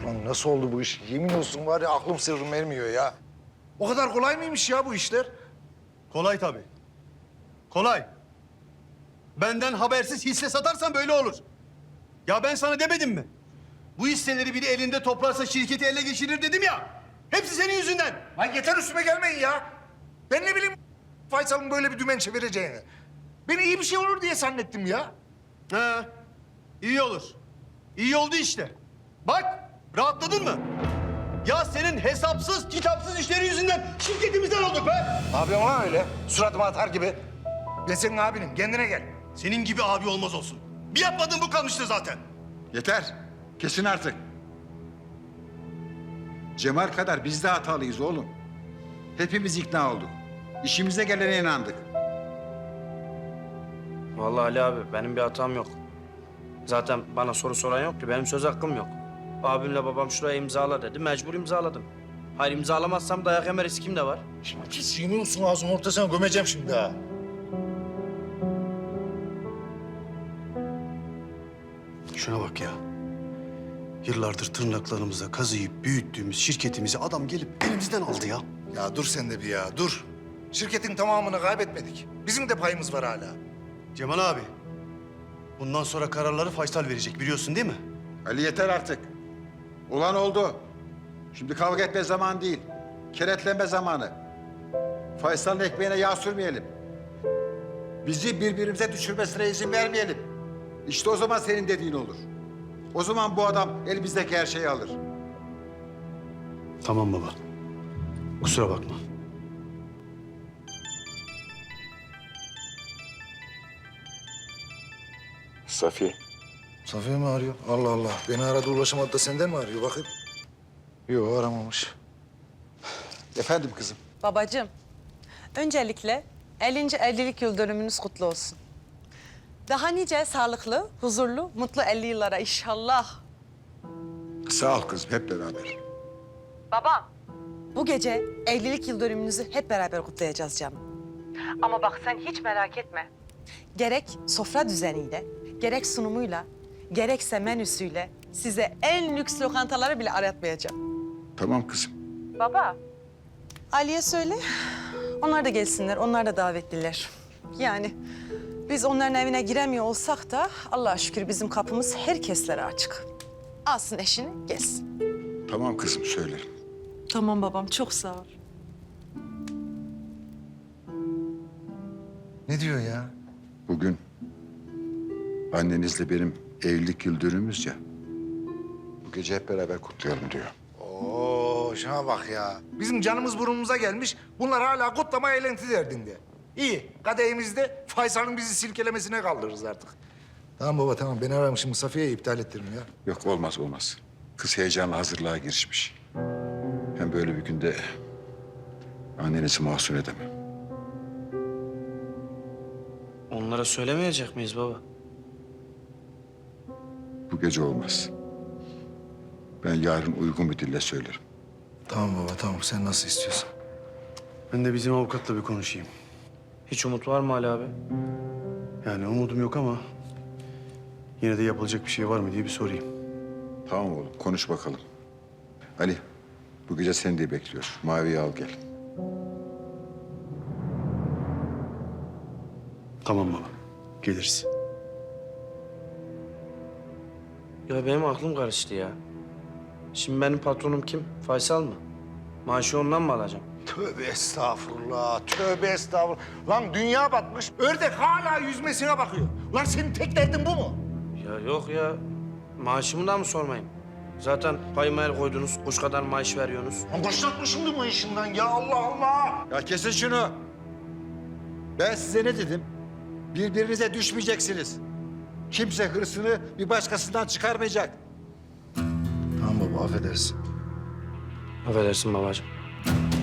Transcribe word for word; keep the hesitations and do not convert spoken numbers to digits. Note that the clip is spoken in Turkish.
Lan nasıl oldu bu iş? Yemin olsun var ya aklım sırrım ermiyor ya. O kadar kolay mıymış ya bu işler? Kolay tabii. Kolay. Benden habersiz hisse satarsan böyle olur. Ya ben sana demedim mi? Bu hisseleri biri elinde toplarsa şirketi ele geçirir dedim ya. Hepsi senin yüzünden. Lan yeter üstüme gelmeyin ya. Ben ne bileyim Faysal'ın böyle bir dümen çevireceğini. Ben iyi bir şey olur diye zannettim ya. Ha, iyi olur. İyi oldu işte. Bak, rahatladın mı? Ya senin hesapsız, kitapsız işleri yüzünden şirketimizden olduk be. Ne yapıyorsun lan öyle? Suratıma atar gibi. Ben senin abinim. Kendine gel. Senin gibi abi olmaz olsun. Bir yapmadığın bu kalmıştı zaten. Yeter. Kesin artık. Cemal kadar biz de hatalıyız oğlum. Hepimiz ikna olduk. İşimize gelene inandık. Vallahi Ali abi benim bir hatam yok. Zaten bana soru soran yok ki benim söz hakkım yok. Abimle babam şuraya imzala dedi mecbur imzaladım. Hayır imzalamazsam dayak yeme riskim de var. Şimdi pis yemin olsun ağzının ortasına gömeceğim şimdi ha. Şuna bak ya. Yıllardır tırnaklarımıza kazıyıp büyüttüğümüz şirketimizi adam gelip elimizden aldı ya. Ya dur sen de bir ya dur. Şirketin tamamını kaybetmedik. Bizim de payımız var hala. Cemal abi, bundan sonra kararları Faysal verecek biliyorsun değil mi? Ali yeter artık. Olan oldu. Şimdi kavga etme zamanı değil. Keretlenme zamanı. Faysal'ın ekmeğine yağ sürmeyelim. Bizi birbirimize düşürmesine izin vermeyelim. İşte o zaman senin dediğin olur. O zaman bu adam elimizdeki her şeyi alır. Tamam baba. Kusura bakma. Safiye. Safiye mi arıyor? Allah Allah. Beni aradı ulaşamadı da senden mi arıyor bakayım? Yok aramamış. Efendim kızım. Babacığım, öncelikle ellinci evlilik yıl dönümünüz kutlu olsun. Daha nice sağlıklı, huzurlu, mutlu elli yıllara inşallah. Sağ ol kızım hep beraber. Baba. Bu gece evlilik yıl dönümünüzü hep beraber kutlayacağız canım. Ama bak sen hiç merak etme. Gerek sofra düzeniyle, gerek sunumuyla, gerekse menüsüyle size en lüks lokantaları bile aratmayacağım. Tamam kızım. Baba. Ali'ye söyle. Onlar da gelsinler. Onlar da davetliler. Yani biz onların evine giremiyor olsak da Allah'a şükür bizim kapımız herkeslere açık. Alsın eşini, gelsin. Tamam kızım söylerim. Tamam babam, çok sağ ol. Ne diyor ya? Bugün annenizle benim evlilik yıl dönümümüz ya. Bu gece hep beraber kutlayalım diyor. Oo şuna bak ya. Bizim canımız burnumuza gelmiş. Bunlar hala kutlama eğlenti derdinde. İyi. Kadehimizde Faysal'ın bizi silkelemesine kaldırırız artık. Tamam baba tamam. Beni aramışım. Safiye'yi iptal ettirin ya. Yok olmaz olmaz. Kız heyecanla hazırlığa girişmiş. Hem böyle bir günde annenizi mahzun edemem. Onlara söylemeyecek miyiz baba? Bu gece olmaz. Ben yarın uygun bir dille söylerim. Tamam baba tamam. Sen nasıl istiyorsan. Ben de bizim avukatla bir konuşayım. Hiç umut var mı Ali abi? Yani umudum yok ama yine de yapılacak bir şey var mı diye bir sorayım. Tamam oğlum konuş bakalım. Ali bu gece seni de bekliyor. Mavi'yi al gel. Tamam baba. Geliriz. Ya benim aklım karıştı ya. Şimdi benim patronum kim? Faysal mı? Maaşı ondan mı alacağım? Tövbe estağfurullah. Tövbe estağfurullah. Lan dünya batmış. Ördek hala yüzmesine bakıyor. Lan senin tek derdin bu mu? Ya yok ya. Maaşımı da mı sormayayım? Zaten payıma el koydunuz, kuş kadar maaş veriyorsunuz. Lan başlatma şimdi bu işinden ya Allah Allah. Ya kesin şunu. Ben size ne dedim? Birbirinize düşmeyeceksiniz. Kimse hırsını bir başkasından çıkarmayacak. Tamam baba affedersin. Affedersin babacığım.